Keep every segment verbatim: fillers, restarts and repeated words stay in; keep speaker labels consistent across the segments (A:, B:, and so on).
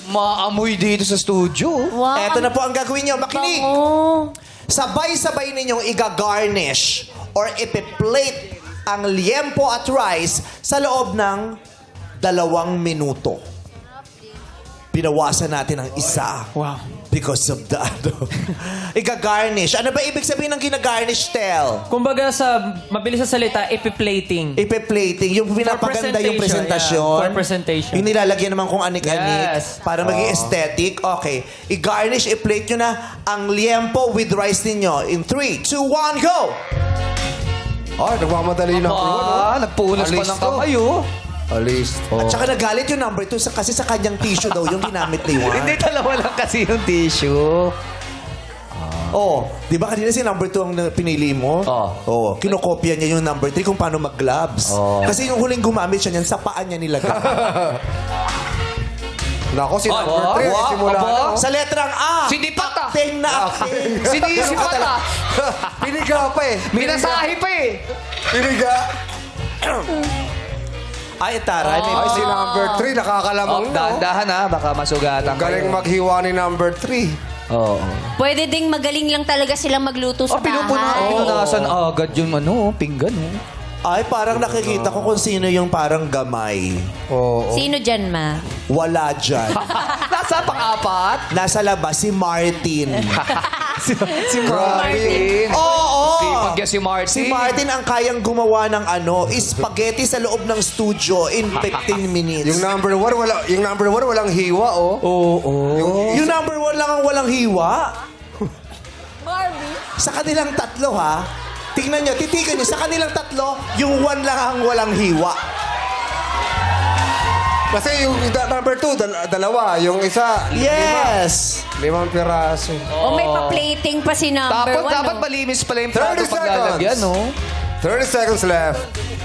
A: Maamoy dito sa studio.
B: Wow.
C: Eto na po ang gagawin nyo. Makinig!
B: Bango.
C: Sabay-sabay ninyong iga-garnish or ipi-plate ang liempo at rice sa loob ng dalawang minuto. Binawasan natin ang isa.
A: Wow.
C: Because of the ano. Iga-garnish. Ano ba ibig sabihin ng gina-garnish, Tel?
D: Kumbaga sa mabilis sa salita, epiplating.
C: Ipe-plating. Yung pinapaganda yung
D: presentation,
C: presentasyon.
D: yeah. For presentation.
C: Yung nilalagyan naman kung anik-anik.
D: Yes.
C: Para maging aesthetic. Okay. I-garnish, i-plate nyo na ang liempo with rice ninyo. In three, two, one, go!
E: Ay, nagmamadali na ako.
A: Ah, nagpunas pa
E: Alis
A: ng
E: to.
A: kamay, oh.
E: Alis.
C: At saka nagalit yung number two sa, kasi sa kanyang tissue daw yung ginamit ni Juan.
A: Hindi, dalawa lang kasi yung tissue.
C: Oh, di ba kanina si number two ang na- pinili mo?
A: Oo.
C: Oh, kinokopya niya yung number three kung paano mag-gloves.
A: Oo.
C: Kasi yung huling gumamit siya niyan, sa paan niya nilagay.
E: Nako, si number
A: Aba,
E: three.
A: aba,
E: Simula
A: aba.
E: na.
C: Sa letrang A.
A: Sinipat ah.
C: Acting na acting.
A: Sinisipat ah.
E: Piniga pa eh.
A: Minasahe pa eh.
E: Piniga.
C: Ay, taray. May
E: Ay, si
C: mali.
E: number three.
A: Oh,
E: Nakakalamang na. oh.
A: dahan-dahan ha. Baka masugatan
E: Galing maghiwa ni number three.
A: Oo.
B: Pwede ding magaling lang talaga silang magluto sa
A: Oh, pinupuna.
B: bahay.
A: Oh, nasan agad yung ano, pinggan, oh.
C: Ay, parang nakikita ko kung sino yung parang gamay.
E: Oo.
B: Sino dyan, ma?
C: Wala dyan.
A: Nasa pang-apat.
C: Nasa labas, si Martin.
A: si, si Martin.
C: Oo!
A: Sipag yan si Martin.
C: Si Martin ang kayang gumawa ng ano, spaghetti sa loob ng studio in fifteen minutes.
E: Yung number one, wala, yung number one, walang hiwa, oh.
A: Oo. Oh,
C: Yung number one lang ang walang hiwa. Sa kanilang tatlo, ha? Tingnan nyo, titigan nyo, sa kanilang tatlo, yung one lang ang walang hiwa.
E: Kasi yung da- number two, dal- dalawa. Yung isa,
C: Yes!
E: limang piraso.
B: O may pa-plating pa si number
A: Dapat,
B: one,
A: dapat
B: no?
A: malinis pala yung plato
E: thirty
A: pag lalagyan,
E: seconds.
A: no?
E: thirty seconds left.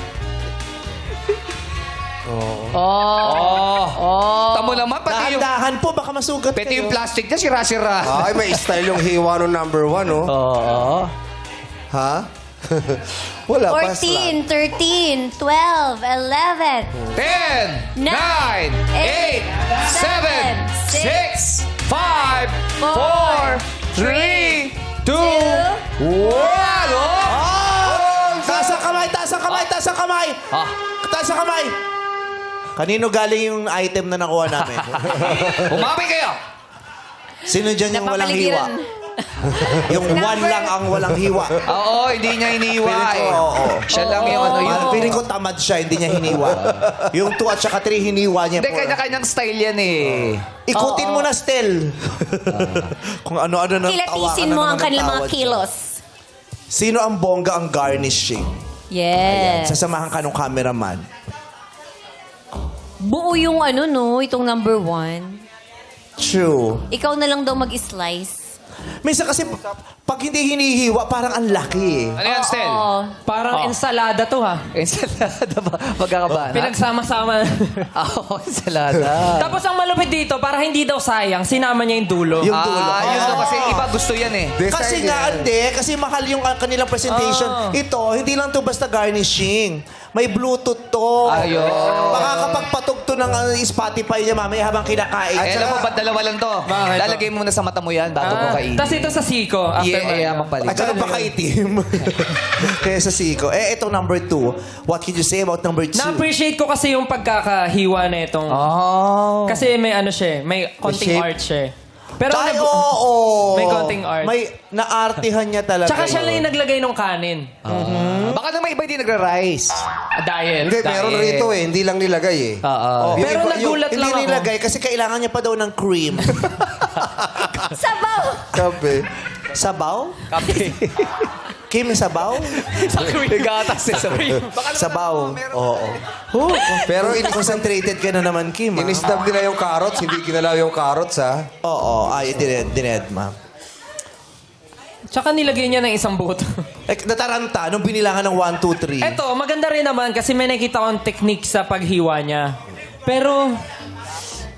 A: Oh. Oh. Tamo naman, pati yung,
C: Dahan-dahan po, baka masugat
A: pati
C: kayo.
A: yung plastic niya, sira-sira.
E: Ay, may style yung hiwa ng number one, oh.
A: Oo.
E: Ha? Wala pa.
B: fourteen, thirteen, twelve, eleven,
A: ten, nine, eight, seven, six, five, four, three, two, one.
C: Oh! Taas ang kamay, taas ang kamay, taas ang kamay!
A: Ah.
C: Taas ang kamay! Kanino galing yung item na nakuha namin?
A: Umami kayo.
C: Sino dyan yung walang hiwa?
B: Napapaligiran.
C: Yung one lang ang walang hiwa.
A: Oo, hindi niya iniwa
C: Feeling ko,
A: eh.
C: oo.
A: Siya lang yung ano yun.
C: Parang feeling ko tamad siya, hindi niya hiniwa. Yung two at saka three, hiniwa niya.
A: Hindi,
C: po.
A: kanya-kanyang style yan eh.
C: Ikutin mo na, Stel. Kung ano-ano na
B: Kilatisin mo ang kanilang mga kilos.
C: Sino ang bongga ang garnishing?
B: Yes.
C: Sasamahan ka ng cameraman.
B: Buo yung ano, no? Itong number one.
C: True.
B: Ikaw na lang daw mag-slice.
C: Minsan kasi, pag hindi hinihiwa, parang ang laki eh.
A: Ano yan, Stel?
B: Oo.
D: Parang ensalada to ha.
A: Ensalada ba? Magkakabana?
D: Pinagsama-sama.
A: Oo, ensalada.
D: Tapos ang malupit dito, para hindi daw sayang, sinama niya yung dulo.
C: Yung dulo.
A: Ah, yun
C: Oo.
A: daw kasi iba gusto yan eh.
E: Design
C: Kasi
E: yan.
C: nga, hindi. Kasi mahal yung uh, kanilang presentation.
D: Oh.
C: Ito, hindi lang to basta garnishing. May Bluetooth to.
A: Ayun.
C: Makakapagpatog to ng uh, Spotify niya mamaya habang kinakain.
A: Eh, alam mo,
C: At
A: ba't dalawa lang to?
D: Bakit?
A: Lalagay mo muna sa mata mo yan bago mo
D: Ah,
A: kainin.
D: Tapos ito sa siko. After
A: Yeah, yeah,
D: mag-
A: magpalit.
C: saka pakaitim. Kaya sa siko. Eh, itong number two. What can you say about number two?
D: Na-appreciate ko kasi yung pagkakahiwa na itong...
A: Oh.
D: Kasi may ano siya, eh, may konting
E: shape.
D: art siya. eh. Pero
C: Ay,
D: nag-
C: oo.
D: May konting art.
C: May naartihan niya talaga.
D: Tsaka siya
C: yun.
D: lang yung naglagay ng kanin.
A: Baka naman iba hindi nagra-rice.
D: Ah, dahil.
E: Hindi, meron
A: Dahil-
E: rito eh. Hindi lang nilagay eh.
A: Oo.
C: Oh,
D: Pero
C: yung iba-
D: nagulat
C: yung,
D: lang
C: Hindi
D: ako.
C: nilagay kasi kailangan niya pa daw ng cream.
B: Sabaw!
E: Sabi.
C: Sabaw?
A: Kape.
C: Kim, sabaw?
A: Gatas eh. Sabi.
C: Sabaw. Oo. Oh,
E: Pero in-
C: concentrated ka na naman, Kim. ah.
E: inistab nila yung carrots. Hindi ginalaw yung carrots, ha?
C: Oo. Ay, dined, dined, ma'am.
D: Tsaka nilagay niya ng isang buto.
C: Eh, nataranta nung binilangan ng one, two, three.
D: Eto, maganda rin naman kasi may nakita akong technique sa paghiwa niya. Pero,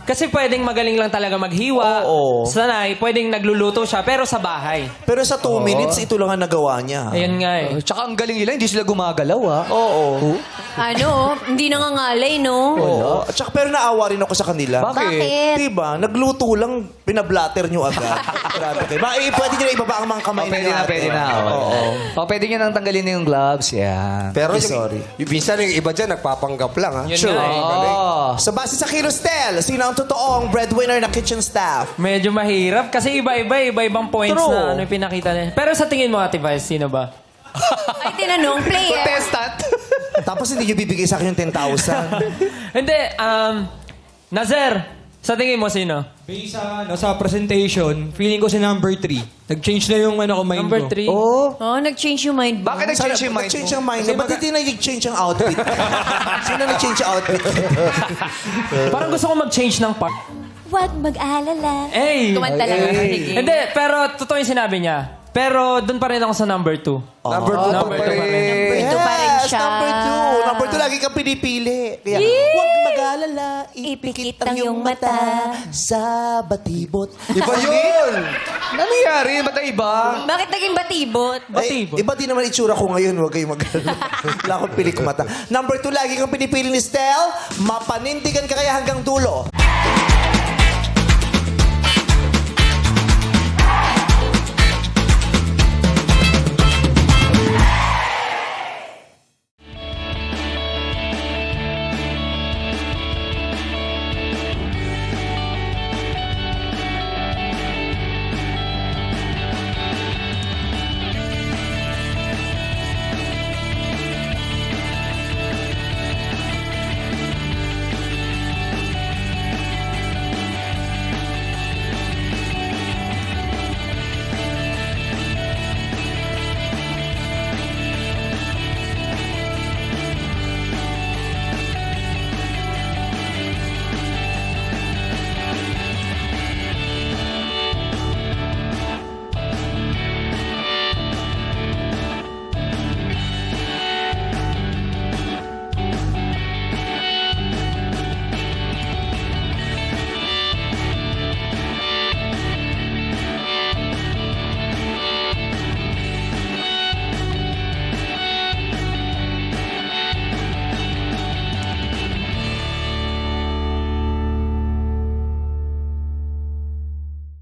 D: Kasi pwedeng magaling lang talaga maghiwa.
C: Oo.
D: Sanay, pwedeng nagluluto siya, pero sa bahay.
C: Pero sa two minutes, ito lang ang nagawa niya.
D: Ayun nga eh.
A: Tsaka ang galing nila, hindi sila gumagalaw ah.
C: Oo.
B: Ano, hindi nangangalay, no?
C: Oo. At saka pero naawa rin ako sa kanila.
B: Bakit?
C: Diba? Nagluto lang, pinablatter nyo agad. Grabe kayo. Ma, eh, pwede nyo na ibaba ang mga kamay
A: Oh, pwede na,
C: ate.
A: pwede na. Oo.
C: Oo.
A: Oh, pwede nyo nang tanggalin yung gloves. Yan.
E: Pero yung,
C: Sorry.
E: yung minsan yung iba dyan, nagpapanggap lang, ha?
D: Yun
C: Sure.
D: nga eh.
A: Oh.
C: Sa base sa Kilostel, sino ang totoong breadwinner na kitchen staff?
D: Medyo mahirap kasi iba-iba, iba-ibang points
C: True.
D: na ano yung pinakita niya. Pero sa tingin mo, Ate Vice, sino ba?
B: Ay, tinanong, player.
A: Contestant.
C: Tapos hindi nyo bibigay sa akin yung ten thousand.
D: Hindi, um, Nazer, sa tingin mo sino?
F: Based sa, ano, sa presentation, feeling ko si number three. Nag-change na yung ano ko mind
D: Number
F: ko.
D: three.
C: Oh.
B: Oh, nag-change yung mind mo.
A: Bakit nag-change yung mind
C: Nag-change
A: mo?
C: yung mind mo. Ba't hindi nag-change yung outfit? Sino nag-change yung outfit?
D: Parang gusto ko mag-change ng part.
B: Huwag mag-alala.
D: Hey!
B: Kumanta lang. Sige.
D: Hindi, pero totoo yung sinabi niya. Pero doon pa rin ako sa number two.
E: Number two
D: number
E: pa
D: two pa rin.
E: rin.
B: Ito pa rin
C: Yes,
B: siya.
C: number two. Number two, lagi kang pinipili. Kaya,
B: Yee!
C: huwag mag-alala, ipikit ang iyong mata sa batibot.
E: Iba yun!
A: Ano nangyari? Ba't na iba?
B: Bakit naging batibot?
D: Batibot.
C: Ay, iba din naman itsura ko ngayon. Huwag kayong mag-alala. Wala akong pilik mata. Number two, lagi kang pinipili ni Stel. Mapanindigan ka kaya hanggang dulo.